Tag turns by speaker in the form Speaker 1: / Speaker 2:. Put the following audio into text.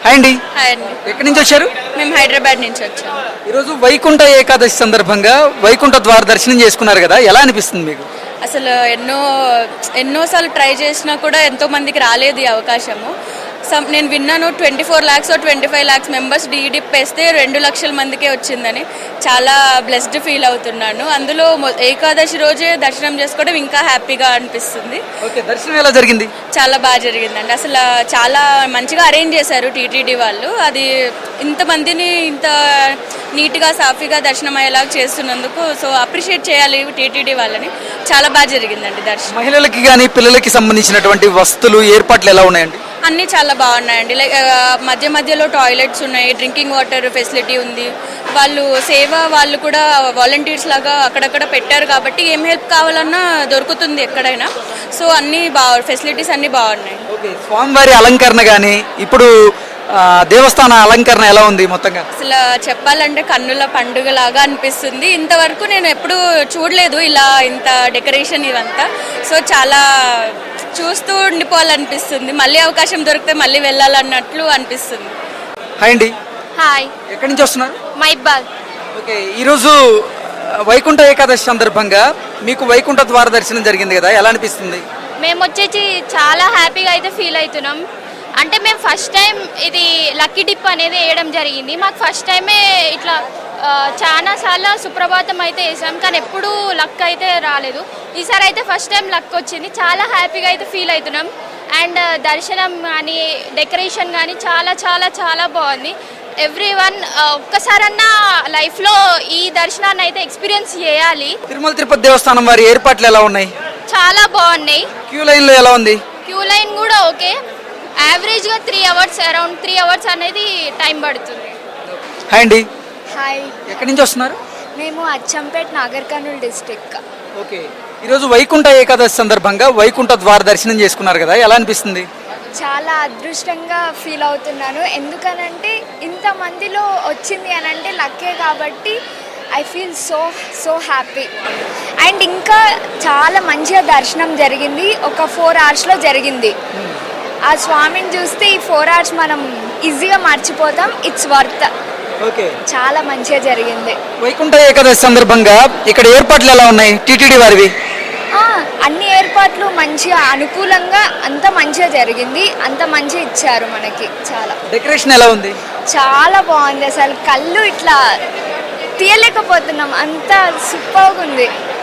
Speaker 1: Hi అండి.
Speaker 2: Hi అండి.
Speaker 1: ఎక్కడి నుంచి వచ్చారు?
Speaker 2: మేము హైదరాబాద్ నుంచి వచ్చాము.
Speaker 1: ఈరోజు వైకుంఠ ఏకాదశి సందర్భంగా వైకుంఠ ద్వార దర్శనం చేసుకున్నారు కదా, ఎలా అనిపిస్తుంది మీకు?
Speaker 2: అసలు ఎన్నోసార్లు ట్రై చేసినా కూడా ఎంతో మందికి రాలేదు ఈ అవకాశము. నేను విన్నాను 24 lakhs 25 lakhs మెంబర్స్ డీడిప్ వేస్తే 2 లక్షల మందికే వచ్చిందని. చాలా బ్లెస్డ్ ఫీల్ అవుతున్నాను. అందులో ఏకాదశి రోజే దర్శనం చేసుకోవడం ఇంకా హ్యాపీగా అనిపిస్తుంది.
Speaker 1: ఓకే, దర్శనం ఎలా జరిగింది?
Speaker 2: చాలా బాగా జరిగిందండి. అసలు చాలా మంచిగా అరేంజ్ చేశారు టీటీడీ వాళ్ళు. అది ఇంతమందిని ఇంత నీట్గా సాఫీగా దర్శనం అయ్యేలాగా చేస్తున్నందుకు సో అప్రిషియేట్ చేయాలి టీటీడీ వాళ్ళని. చాలా బాగా జరిగిందండి దర్శనం.
Speaker 1: మహిళలకి కానీ పిల్లలకి సంబంధించినటువంటి వస్తువులు ఏర్పాట్లు ఎలా ఉన్నాయండి?
Speaker 2: అన్నీ చాలా బాగున్నాయండి. లైక్ మధ్య మధ్యలో టాయిలెట్స్ ఉన్నాయి, డ్రింకింగ్ వాటర్ ఫెసిలిటీ ఉంది. వాళ్ళు కూడా వాలంటీర్స్ లాగా అక్కడక్కడ పెట్టారు కాబట్టి ఏం హెల్ప్ కావాలన్నా దొరుకుతుంది ఎక్కడైనా. సో అన్నీ ఫెసిలిటీస్ అన్నీ బాగున్నాయి.
Speaker 1: ఓకే, స్వామివారి అలంకరణ కానీ ఇప్పుడు దేవస్థాన అలంకరణ ఎలా ఉంది మొత్తంగా?
Speaker 2: అసలు చెప్పాలంటే కన్నుల పండుగ లాగా అనిపిస్తుంది. ఇంతవరకు నేను ఎప్పుడూ చూడలేదు ఇలా ఇంత డెకరేషన్ ఇవంతా. సో చాలా చూస్తూ ఉండిపోవాలనిపిస్తుంది. మళ్ళీ అవకాశం దొరికితే మళ్ళీ వెళ్ళాలన్నట్లు అనిపిస్తుంది.
Speaker 1: హాయ్ అండి.
Speaker 2: హాయ్.
Speaker 1: ఎక్కడి నుంచి వస్తున్నారు?
Speaker 2: మైబాద్.
Speaker 1: ఓకే, ఈరోజు వైకుంఠ ఏకాదశి సందర్భంగా మీకు వైకుంఠ ద్వార దర్శనం జరిగింది కదా, ఎలా అనిపిస్తుంది?
Speaker 3: మేము వచ్చేసి చాలా హ్యాపీగా అయితే ఫీల్ అవుతున్నాం. అంటే మేము ఫస్ట్ టైం ఇది లక్కీ డిప్ అనేది వేయడం జరిగింది. మాకు ఫస్ట్ టైమే ఇట్లా చాలాసార్లు సుప్రభాతం అయితే వేసాం, కానీ ఎప్పుడూ లక్ అయితే రాలేదు. ఈసారి అయితే ఫస్ట్ టైం లక్ వచ్చింది. చాలా హ్యాపీగా అయితే ఫీల్ అవుతున్నాం. అండ్ దర్శనం కానీ డెకరేషన్ కానీ చాలా చాలా చాలా బాగుంది. ఎవ్రీవన్ ఒక్కసారన్నా లైఫ్లో ఈ దర్శనాన్ని అయితే ఎక్స్పీరియన్స్ చేయాలి.
Speaker 1: తిరుమల తిరుపతి దేవస్థానం వారి ఏర్పాట్లు ఎలా ఉన్నాయి?
Speaker 3: చాలా బాగున్నాయి.
Speaker 1: క్యూ లైన్లో ఎలా ఉంది?
Speaker 3: క్యూ లైన్ కూడా ఓకే. యావరేజ్గా 3 hours, అరౌండ్ 3 hours అనేది టైం పడుతుంది.
Speaker 1: హాయ్ అండి.
Speaker 4: హాయ్.
Speaker 1: ఎక్కడి నుంచి వస్తున్నారు?
Speaker 4: మేము అచ్చంపేట్ నాగర్ కర్నూల్ డిస్ట్రిక్ట్.
Speaker 1: ఓకే, ఈరోజు వైకుంఠ ఏకాదశి సందర్భంగా వైకుంఠ ద్వార దర్శనం చేసుకున్నారు కదా, ఎలా అనిపిస్తుంది?
Speaker 4: చాలా అదృష్టంగా ఫీల్ అవుతున్నాను. ఎందుకనంటే ఇంతమందిలో వచ్చింది అని అంటే లక్కే కాబట్టి I feel so happy. And ఇంకా చాలా మంచిగా దర్శనం జరిగింది. ఒక 4 hours జరిగింది. ఆ స్వామిని చూస్తే ఈ 4 hours మనం ఈజీగా మర్చిపోతాం. It's worth.
Speaker 1: ఓకే,
Speaker 4: చాలా మంచిగా జరిగింది.
Speaker 1: వైకుంఠ ఏకాదశి సందర్భంగా ఇక్కడ ఏర్పాట్లు ఎలా ఉన్నాయి టీటీడీ వారివి?
Speaker 4: అన్ని ఏర్పాట్లు మంచిగా అనుకూలంగా అంత మంచిగా జరిగింది. అంత మంచిగా ఇచ్చారు మనకి. చాలా
Speaker 1: డెకరేషన్ ఎలా ఉంది?
Speaker 4: చాలా బాగుంది. అసలు కళ్ళు ఇట్లా తీయలేకపోతున్నాం, అంత సూపర్గా ఉంది.